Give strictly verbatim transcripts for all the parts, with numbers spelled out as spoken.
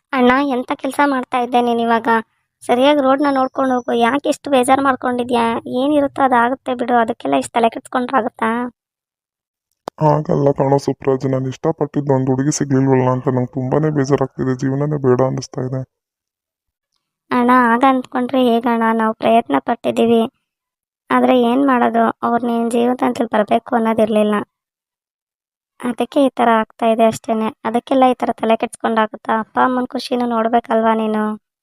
ಅಣ್ಣ ಎಂಥ ಕೆಲಸ ಮಾಡ್ತಾ ಇದ್ದೆ ನೀನು ಇವಾಗ? ಸರಿಯಾಗಿ ರೋಡ್ನ ನೋಡ್ಕೊಂಡು ಹೋಗು. ಯಾಕೆ ಇಷ್ಟು ಬೇಜಾರು ಮಾಡ್ಕೊಂಡಿದ್ಯಾ? ಏನಿರುತ್ತೋ ಅದಾಗುತ್ತೆ ಬಿಡು, ಅದಕ್ಕೆಲ್ಲ ಇಷ್ಟು ತಲೆ ಕೆಡ್ಸ್ಕೊಂಡ್ರಾಗುತ್ತಾ? ಹಾಗಲ್ಲ ಕಣೋ ಸುಪ್ರಾಜ್, ನಾನು ಇಷ್ಟಪಟ್ಟಿದ್ದು ಒಂದು ಹುಡುಗಿ ಸಿಗ್ಲಿಲ್ವಲ್ಲ ಅಂತ ನಂಗೆ ತುಂಬಾನೇ ಬೇಜಾರಾಗ್ತಿದೆ. ಜೀವನನೇ ಬೇಡ ಅನ್ನಿಸ್ತಾ ಇದೆ. ಅಣ್ಣ ಆಗ ಅಂದ್ಕೊಂಡ್ರೆ ಹೇಗಣ್ಣ? ನಾವು ಪ್ರಯತ್ನ ಪಟ್ಟಿದ್ದೀವಿ, ಆದರೆ ಏನು ಮಾಡೋದು, ಅವ್ರು ನಿನ್ನ ಜೀವನದಲ್ಲಿ ಬರಬೇಕು ಅನ್ನೋದಿರಲಿಲ್ಲ. ಅದಕ್ಕೆ ಈ ಥರ ಆಗ್ತಾ ಇದೆ ಅಷ್ಟೇ. ಅದಕ್ಕೆಲ್ಲ ಈ ಥರ ತಲೆ ಕೆಡ್ಸ್ಕೊಂಡಾಗುತ್ತಾ? ಅಪ್ಪ ಅಮ್ಮನ ಖುಷಿನೂ ನೋಡ್ಬೇಕಲ್ವಾ ನೀನು?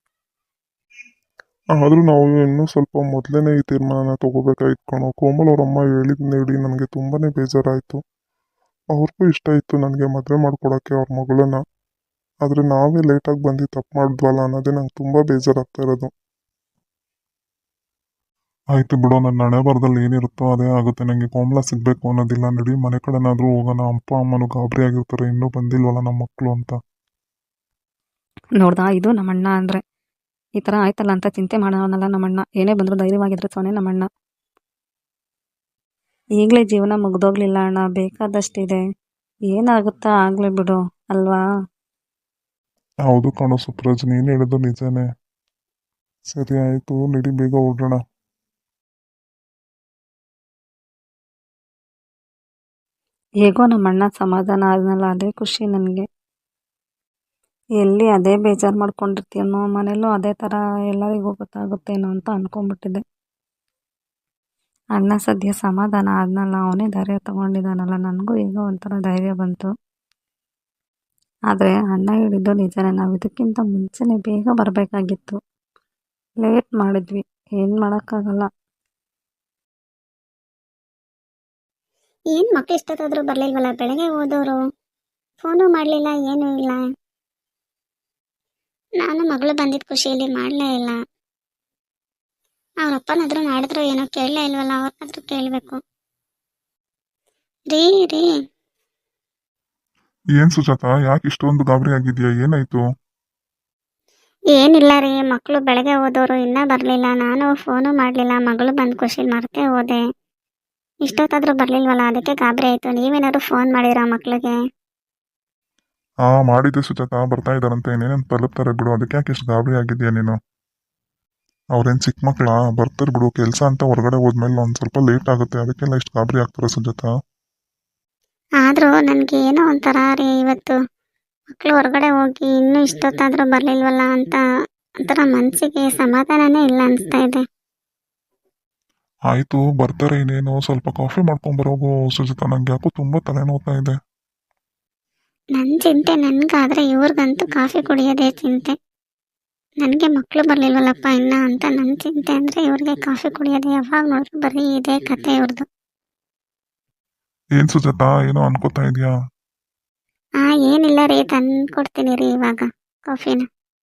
ಆದರೂ ನಾವು ಇನ್ನೂ ಸ್ವಲ್ಪ ಮೊದಲನೇ ಈ ತೀರ್ಮಾನನ ತಗೋಬೇಕಾಗಿತ್ತು ಕಣೋ. ಕೋಮಲ್ ಅವ್ರಮ್ಮ ಹೇಳಿದ್ ನೋಡಿ ನನಗೆ ತುಂಬಾನೇ ಬೇಜಾರಾಯಿತು. ಅವ್ರಿಗೂ ಇಷ್ಟ ಇತ್ತು ನನಗೆ ಮದುವೆ ಮಾಡ್ಕೊಡೋಕ್ಕೆ ಅವ್ರ ಮಗಳನ್ನ. ಆದರೆ ನಾವೇ ಲೇಟಾಗಿ ಬಂದು ತಪ್ಪು ಮಾಡಿದ್ವಲ್ಲ ಅನ್ನೋದೇ ನಂಗೆ ತುಂಬ ಬೇಜಾರಾಗ್ತಾ ಇರೋದು. ಆಯಿತು ಬಿಡೋ, ನನ್ನ ಹಣೆ ಬರದಲ್ಲಿ ಏನಿರುತ್ತೋ ಅದೇ ಆಗುತ್ತೆ. ನನಗೆ ಕೋಮಲ ಸಿಗಬೇಕು ಅನ್ನೋದಿಲ್ಲ. ನಡಿ ಮನೆ ಕಡೆನಾದರೂ ಹೋಗೋಣ. ಅಪ್ಪ ಅಮ್ಮನೂ ಗಾಬರಿ ಆಗಿರ್ತಾರೆ, ಇನ್ನೂ ಬಂದಿಲ್ವಲ್ಲ ನಮ್ಮ ಮಕ್ಕಳು ಅಂತ. ನೋಡ್ದಾ, ಇದು ನಮ್ಮಣ್ಣ ಅಂದರೆ ಈ ಥರ ಆಯ್ತಲ್ಲ ಅಂತ ಚಿಂತೆ ಮಾಡೋನಲ್ಲ ನಮ್ಮಣ್ಣ. ಏನೇ ಬಂದರೂ ಧೈರ್ಯವಾಗಿದ್ರೆ ಸೊನೆ ನಮ್ಮಣ್ಣ. ಈಗಲೇ ಜೀವನ ಮುಗ್ದೋಗ್ಲಿಲ್ಲ ಅಣ್ಣ, ಬೇಕಾದಷ್ಟಿದೆ. ಏನಾಗುತ್ತಾ ಆಗಲಿ ಬಿಡು, ಅಲ್ವಾ? ಹೌದು ಕಣೋ ಸುಪ್ರಾಜ್, ನೀನು ಹೇಳಿದ್ದು ನಿಜನೇ. ಸರಿ ಆಯಿತು, ನಡಿ ಬೇಗ ಹೊರಡೋಣ. ಹೇಗೋ ನಮ್ಮಣ್ಣ ಸಮಾಧಾನ ಆದ್ನಲ್ಲ, ಅದೇ ಖುಷಿ ನನಗೆ. ಎಲ್ಲಿ ಅದೇ ಬೇಜಾರು ಮಾಡ್ಕೊಂಡಿರ್ತೀನೋ, ಮನೇಲೂ ಅದೇ ಥರ ಎಲ್ಲರಿಗೂ ಗೊತ್ತಾಗುತ್ತೇನೋ ಅಂತ ಅಂದ್ಕೊಂಡ್ಬಿಟ್ಟಿದ್ದೆ. ಅಣ್ಣ ಸದ್ಯ ಸಮಾಧಾನ ಆದ್ನಲ್ಲ, ಅವನೇ ಧೈರ್ಯ ತಗೊಂಡಿದ್ದಾನಲ್ಲ, ನನಗೂ ಈಗ ಒಂಥರ ಧೈರ್ಯ ಬಂತು. ಆದರೆ ಅಣ್ಣ ಹೇಳಿದ್ದು ನಿಜನೇ, ನಾವು ಇದಕ್ಕಿಂತ ಮುಂಚೆನೇ ಬೇಗ ಬರಬೇಕಾಗಿತ್ತು. ಲೇಟ್ ಮಾಡಿದ್ವಿ, ಏನು ಮಾಡೋಕ್ಕಾಗಲ್ಲ. ಏನು ಮಕ್ಕಳು ಇಷ್ಟೊತ್ತಾದರೂ ಬರಲಿಲ್ವಲ್ಲ? ಬೆಳಗ್ಗೆ ಹೋದವರು ಫೋನು ಮಾಡಲಿಲ್ಲ, ಏನೂ ಇಲ್ಲ. ನಾನು ಮಗಳು ಬಂದಿದ್ದ ಖುಷಿಯಲ್ಲಿ ಮಾಡಲೇ ಇಲ್ಲ. ಅವರಪ್ಪನಾದರೂ ಮಾಡಿದ್ರು ಏನೋ, ಕೇಳಲೇ ಇಲ್ವಲ್ಲ. ಅವ್ರನ್ನಾದ್ರೂ ಕೇಳಬೇಕು. ರೀ ರೀ ಏನು ಸುಜಾತ, ಯಾಕೆ ಇಷ್ಟೊಂದು ಗಾಬರಿ ಆಗಿದೆಯಾ? ಏನಾಯಿತು? ಏನಿಲ್ಲ ರೀ, ಮಕ್ಕಳು ಬೆಳಗ್ಗೆ ಹೋದವರು ಇನ್ನೂ ಬರಲಿಲ್ಲ. ನಾನು ಫೋನು ಮಾಡಲಿಲ್ಲ, ಮಗಳು ಬಂದು ಖುಷಿಲಿ ಮರ್ತೇ ಹೋದೆ. ಇಷ್ಟೊತ್ತಾದರೂ ಬರಲಿಲ್ವಲ್ಲ, ಅದಕ್ಕೆ ಗಾಬರಿ ಆಯಿತು. ನೀವೇನಾದ್ರು ಫೋನ್ ಮಾಡಿರಾ ಮಕ್ಕಳಿಗೆ? ಹಾಂ ಮಾಡಿದ್ದೆ ಸುಜಾತ, ಬರ್ತಾ ಇದ್ದಾರಂತೆ, ಇನ್ನೇನು ತಲುಪ್ತಾರೆ ಬಿಡು. ಅದಕ್ಕೆ ಯಾಕೆ ಇಷ್ಟು ಗಾಬರಿ ಆಗಿದೆಯಾ ನೀನು? ಅವ್ರೇನು ಚಿಕ್ಕ ಮಕ್ಕಳಾ? ಬರ್ತಾರೆ ಬಿಡು. ಕೆಲಸ ಅಂತ ಹೊರಗಡೆ ಹೋದ್ಮೇಲೆ ಒಂದು ಸ್ವಲ್ಪ ಲೇಟ್ ಆಗುತ್ತೆ, ಅದಕ್ಕೆಲ್ಲ ಇಷ್ಟು ಗಾಬರಿ ಆಗ್ತಾರೆ ಸುಜಾತ. ಆದರೂ ನನಗೆ ಏನೋ ಒಂಥರ ರೀ, ಇವತ್ತು ಮಕ್ಕಳು ಹೊರಗಡೆ ಹೋಗಿ ಇನ್ನೂ ಇಷ್ಟೊತ್ತಾದರೂ ಬರಲಿಲ್ವಲ್ಲ ಅಂತ ಒಂಥರ ಮನಸ್ಸಿಗೆ ಸಮಾಧಾನನೇ ಇಲ್ಲ ಅನಿಸ್ತಾ ಇದೆ. ಆಯಿತು ಬರ್ತಾರೆ, ಇನ್ನೇನು ಸ್ವಲ್ಪ ಕಾಫಿ ಮಾಡ್ಕೊಂಬರೋಗು ಸುಜಾತ. ನಂಗೆ ಯಾಕೋ ತುಂಬ ತಲೆನೋವ್ತಾ ಇದೆ. ನನ್ನ ಚಿಂತೆ ನನಗಾದರೆ, ಇವ್ರಿಗಂತೂ ಕಾಫಿ ಕುಡಿಯೋದೇ ಚಿಂತೆ. ನನಗೆ ಮಕ್ಕಳು ಬರಲಿಲ್ವಲ್ಲಪ್ಪ ಇನ್ನ ಅಂತ ನನ್ನ ಚಿಂತೆ ಅಂದರೆ, ಇವ್ರಿಗೆ ಕಾಫಿ ಕುಡಿಯೋದು. ಯಾವಾಗ ನೋಡಿದ್ರು ಬರೀ ಇದೇ ಕತೆ ಇವ್ರದ್ದು. ಏನು ಸುಜಾತ, ಏನೋ ಅನ್ಕೋತಾ ಇದೆಯಾ? ಹಾಂ ಏನಿಲ್ಲ ರೀ, ತಂದು ಕೊಡ್ತೀನಿ ರೀ ಇವಾಗ ಕಾಫಿನ.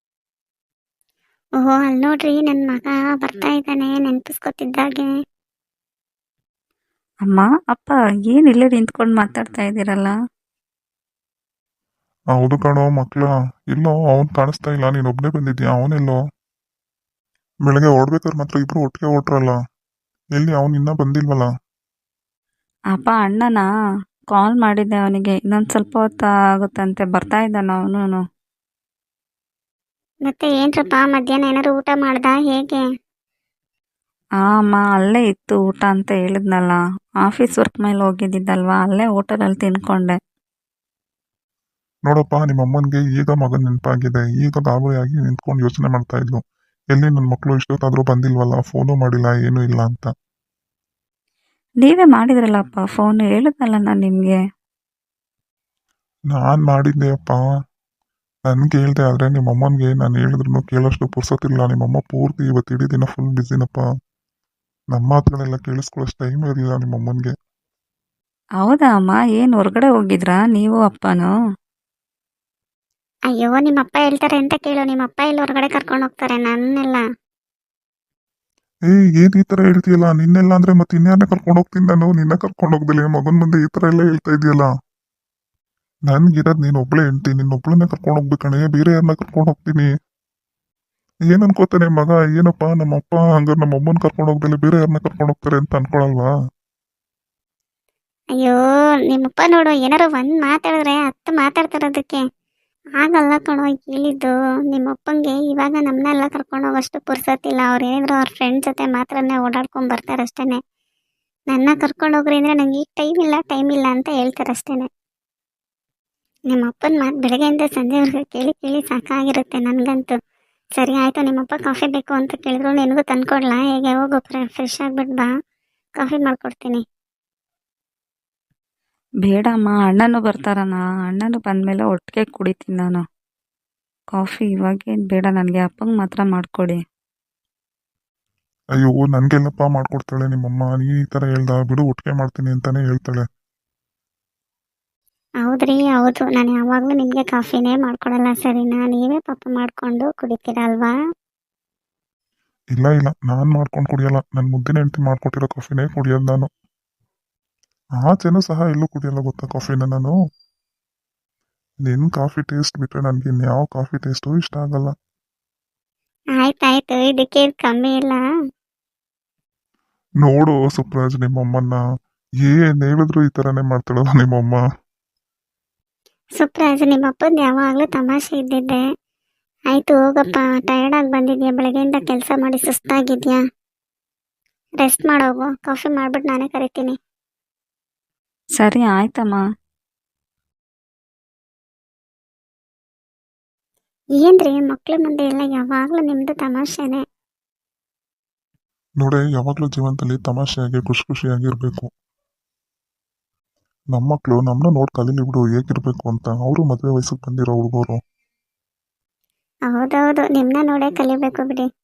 ಓಹೋ, ಅಲ್ಲಿ ನೋಡ್ರಿ ನನ್ನ ಮಗ ಬರ್ತಾ ಇದ್ದಾನೆ ನೆನಪಿಸ್ಕೊತಿದ್ದಾಗೆ. ಅಮ್ಮ, ಅಪ್ಪ, ಏನು ಇಲ್ಲೇ ನಿಂತ್ಕೊಂಡು ಮಾತಾಡ್ತಾ ಇದ್ದೀರಲ್ಲ? ಹೌದು ಕಣೋ ಮಕ್ಕಳ. ಇಲ್ಲೋ ಅವ್ನು ಕಾಣಿಸ್ತಾ ಇಲ್ಲ, ನೀನು ಒಬ್ಬನೇ ಬಂದಿದ್ಯಾ? ಅವನೆಲ್ಲೋ? ಬೆಳಗ್ಗೆ ಓಡ್ಬೇಕಾದ್ರೆ ಮಾತ್ರ ಇಬ್ರು ಒಟ್ಟಿಗೆ ಹೊಟ್ರಲ್ಲ, ಎಲ್ಲಿ ಅವನು ಇನ್ನೂ ಬಂದಿಲ್ವಲ್ಲ? ಅಪ್ಪ, ಅಣ್ಣನಾ ಕಾಲ್ ಮಾಡಿದ್ದೆ ಅವನಿಗೆ, ಇನ್ನೊಂದು ಸ್ವಲ್ಪ ಹೊತ್ತು ಆಗುತ್ತಂತೆ, ಬರ್ತಾ ಇದ್ದಾನ ಅವನು. ಮತ್ತೆ ಏನ್ರಪ್ಪ, ಮಧ್ಯಾಹ್ನ ಏನಾದ್ರು ಊಟ ಮಾಡ್ದ ಹೇಗೆ? ಆ ಅಮ್ಮ, ಅಲ್ಲೇ ಇತ್ತು ಊಟ ಅಂತ ಹೇಳಿದ್ನಲ್ಲ. ಆಫೀಸ್ ವರ್ಕ್ ಮೇಲೆ ಹೋಗಿದ್ದಿದ್ದಲ್ವಾ, ಅಲ್ಲೇ ಹೋಟೆಲಲ್ಲಿ ತಿನ್ಕೊಂಡೆ. ನೋಡಪ್ಪ, ನಿಮ್ಮ ಅಮ್ಮನಿಗೆ ಈಗ ಮಗನ ನೆನಪಾಗಿದೆ. ಈಗ ಗಾಬರಿಯಾಗಿ ನಿಂತ್ಕೊಂಡು ಯೋಚನೆ ಮಾಡ್ತಾ ಇದ್ಲು, ಎಲ್ಲಿ ನನ್ನ ಮಕ್ಕಳು ಇಷ್ಟೊತ್ತಾದರೂ ಬಂದಿಲ್ವಲ್ಲ, ಫೋನು ಮಾಡಿಲ್ಲ, ಏನೂ ಇಲ್ಲ ಅಂತ. ನೀವೇ ಮಾಡಿದ್ರಲ್ಲಪ್ಪ ಫೋನ್, ಹೇಳಿದ್ನಲ್ಲ ನಾನು ನಿಮಗೆ. ನಾನು ಮಾಡಿದ್ದೆ ಅಪ್ಪ, ನನ್ಗೆ ಹೇಳ್ದೆ. ಆದರೆ ನಿಮ್ಮ ಅಮ್ಮನಿಗೆ ನಾನು ಹೇಳಿದ್ರು ಕೇಳೋಷ್ಟು ಪುರ್ಸೊತ್ತಿಲ್ಲ. ನಿಮ್ಮಮ್ಮ ಪೂರ್ತಿ ಇವತ್ತು ಇಡೀ ದಿನ ಫುಲ್ ಬ್ಯುಸಿನಪ್ಪ. ನಮ್ಮ ಮಾತುಗಳೆಲ್ಲ ಕೇಳಿಸ್ಕೊಳ್ಳೋಷ್ಟು ಟೈಮ್ ಇರಲಿಲ್ಲ ನಿಮ್ಮ ಅಮ್ಮನಿಗೆ. ಹೌದಾ ಅಮ್ಮ, ಏನು ಹೊರಗಡೆ ಹೋಗಿದ್ರಾ ನೀವು ಅಪ್ಪನೂ? ಅಯ್ಯೋ, ನಿಮ್ಮಪ್ಪ ಹೇಳ್ತಾರೆ ಅಂತ ಕೇಳು. ನಿಮ್ಮಪ್ಪ ಎಲ್ಲಿ ಹೊರಗಡೆ ಕರ್ಕೊಂಡು ಹೋಗ್ತಾರೆ ನನ್ನೆಲ್ಲ? ಏ ಏನು ಈ ಥರ ಹೇಳ್ತೀಯಲ್ಲ? ನಿನ್ನೆಲ್ಲ ಅಂದರೆ ಮತ್ತೆ ಇನ್ಯಾರನ್ನ ಕರ್ಕೊಂಡು ಹೋಗ್ತೀನಿ ನಾನು? ನಿನ್ನ ಕರ್ಕೊಂಡು ಹೋಗ್ದಿಲ್ಲ ಮಗನ ಮುಂದೆ ಈ ಥರ ಎಲ್ಲ ಹೇಳ್ತಾ ಇದೆಯಲ್ಲ. ನನ್ಗಿರೋದು ನೀನು ಒಬ್ಬಳೇ ಹೆಂಡ್ತಿ, ನಿನ್ನೊಬ್ಳನ್ನೇ ಕರ್ಕೊಂಡು ಹೋಗ್ಬೇಕಣೆ, ಬೇರೆ ಯಾರನ್ನ ಕರ್ಕೊಂಡು ಹೋಗ್ತೀನಿ? ಏನು ಅನ್ಕೋತಾನೆ ಮಗ? ಏನಪ್ಪ ನಮ್ಮಪ್ಪ ಹಂಗಾರೆ ನಮ್ಮ ಅಮ್ಮನ ಕರ್ಕೊಂಡು ಹೋಗ್ದಲ್ಲಿ ಬೇರೆ ಯಾರನ್ನ ಕರ್ಕೊಂಡು ಹೋಗ್ತಾರೆ ಅಂತ ಅನ್ಕೊಳಲ್ವಾ? ಅಯ್ಯೋ, ನಿಮ್ಮಪ್ಪ ನೋಡು, ಏನಾರು ಒಂದು ಮಾತಾಡಿದ್ರೆ ಹತ್ತು ಮಾತಾಡ್ತಿರೋದಕ್ಕೆ. ಆಗಲ್ಲ ಕಣೋ ಹೇಳಿದ್ದು ನಿಮ್ಮಪ್ಪಂಗೆ ಇವಾಗ ನಮ್ಮನ್ನೆಲ್ಲ ಕರ್ಕೊಂಡು ಹೋಗೋಷ್ಟು ಪುರ್ಸತ್ತಿಲ್ಲ. ಅವ್ರು ಏನಿದ್ರು ಅವ್ರ ಫ್ರೆಂಡ್ ಜೊತೆ ಮಾತ್ರನೇ ಓಡಾಡ್ಕೊಂಡು ಬರ್ತಾರೆ ಅಷ್ಟೇ. ನನ್ನ ಕರ್ಕೊಂಡು ಹೋಗ್ರಿ ಅಂದರೆ ನಂಗೆ ಈಗ ಟೈಮ್ ಇಲ್ಲ ಟೈಮ್ ಇಲ್ಲ ಅಂತ ಹೇಳ್ತಾರೆ ಅಷ್ಟೇ. ನಿಮ್ಮ ಅಪ್ಪನ ಮಾತು ಬೆಳಗ್ಗೆಯಿಂದ ಸಂಜೆವರೆಗೂ ಕೇಳಿ ಕೇಳಿ ಸಾಕಾಗಿರುತ್ತೆ ನನಗಂತೂ. ಸರಿ ಆಯಿತು, ನಿಮ್ಮಪ್ಪ ಕಾಫಿ ಬೇಕು ಅಂತ ಕೇಳಿದ್ರು ನಿನಗೂ ತಂದ್ಕೊಡ್ಲಾ? ಹೇಗೆ ಹೋಗು, ಫ್ರೆಶ್ ಆಗಿಬಿಟ್ಟು ಬಾ, ಕಾಫಿ ಮಾಡಿಕೊಡ್ತೀನಿ. ಬೇಡಮ್ಮ, ಅಣ್ಣನೂ ಬರ್ತಾರಣ್ಣ. ಅಣ್ಣನೂ ಬಂದಮೇಲೆ ಒಟ್ಟಿಗೆ ಕುಡಿತೀನಿ ನಾನು ಕಾಫಿ. ಇವಾಗೇನು ಬೇಡ ನನಗೆ, ಅಪ್ಪಂಗೆ ಮಾತ್ರ ಮಾಡಿಕೊಡಿ. ಅಯ್ಯೋ ನನ್ಗೆಲ್ಲಪ್ಪ ಮಾಡ್ಕೊಡ್ತಾಳೆ ನಿಮ್ಮಮ್ಮ. ನೀ ಈ ಥರ ಹೇಳ್ದ ಬಿಡು, ಒಟ್ಟಿಗೆ ಮಾಡ್ತೀನಿ ಅಂತಾನೆ ಹೇಳ್ತಾಳೆ. ಹೌದ್ರಿ, ಹೌದು, ನಾನು ಯಾವಾಗಲೂ ನಿಮಗೆ ಕಾಫಿನೇ ಮಾಡ್ಕೊಡಲ್ಲ ಸರಿನಾ? ನೀವೇ ಪಾಪ ಮಾಡಿಕೊಂಡು ಕುಡಿತೀರಲ್ವಾ? ಇಲ್ಲ ಇಲ್ಲ, ನಾನು ಮಾಡ್ಕೊಂಡು ಕುಡಿಯಲ್ಲ. ನನ್ನ ಮುದ್ದಿನ ಹೆಂಡತಿ ಮಾಡ್ಕೊಟ್ಟಿರೋ ಕಾಫಿನೇ ಕುಡಿಯೋದು ನಾನು. ಆಚೆನೂ ಸಹ ಎಲ್ಲೂ ಕುಡಿಯಲ್ಲ ಗೊತ್ತಾ ಕಾಫಿನ ನಾನು. ನಿನ್ನ ಕಾಫಿ ಟೇಸ್ಟ್ ಬಿಟ್ಟರೆ ನನಗೆ ಇನ್ಯಾವ ಕಾಫಿ ಟೇಸ್ಟು ಇಷ್ಟ ಆಗಲ್ಲ. ಆಯ್ತಾಯ್ತು, ಇದಕ್ಕೆ ಇದ್ ಕಮ್ಮಿ ಇಲ್ಲ. ನೋಡು ಸುಪ್ರಾಜ್, ನಿಮ್ಮಮ್ಮನ್ನ ಏನ್ ಹೇಳಿದ್ರು ಈ ಥರನೇ ಮಾಡ್ತಾಳಲ್ಲ ನಿಮ್ಮಮ್ಮ. ಸುಪ್ರಾಜ್, ನಿಮ್ಮ ಅಪ್ಪಂದು ಯಾವಾಗಲೂ ತಮಾಷೆ ಇದ್ದಿದ್ದೆ. ಆಯಿತು ಹೋಗಪ್ಪ, ಟಯರ್ಡಾಗಿ ಬಂದಿದ್ಯಾ, ಬೆಳಗ್ಗೆಯಿಂದ ಕೆಲಸ ಮಾಡಿ ಸುಸ್ತಾಗಿದ್ಯಾ, ರೆಸ್ಟ್ ಮಾಡೋಗು. ಕಾಫಿ ಮಾಡಿಬಿಟ್ಟು ನಾನೇ ಕರಿತೀನಿ. ಸರಿ ಆಯ್ತಮ್ಮ. ಏನ್ರಿ ಮಕ್ಳ ಮುಂದೆ ಎಲ್ಲ ಯಾವಾಗಲೂ ನಿಮ್ಮದು ತಮಾಷೆನೆ. ನೋಡೆ, ಯಾವಾಗಲೂ ಜೀವನದಲ್ಲಿ ತಮಾಷೆಯಾಗಿ ಖುಷಿ ಖುಷಿಯಾಗಿರ್ಬೇಕು. ನಮ್ಮ ಮಕ್ಕಳು ನಮ್ಮನ್ನ ನೋಡಿ ಕಲೀಲಿ ಬಿಡು ಹೇಗಿರ್ಬೇಕು ಅಂತ. ಅವರು ಮದುವೆ ವಯಸ್ಸಿಗೆ ಬಂದಿರೋ ಹುಡುಗರು. ಹೌದೌದು, ನಿಮ್ಮನ್ನ ನೋಡೇ ಕಲಿಬೇಕು ಬಿಡಿ.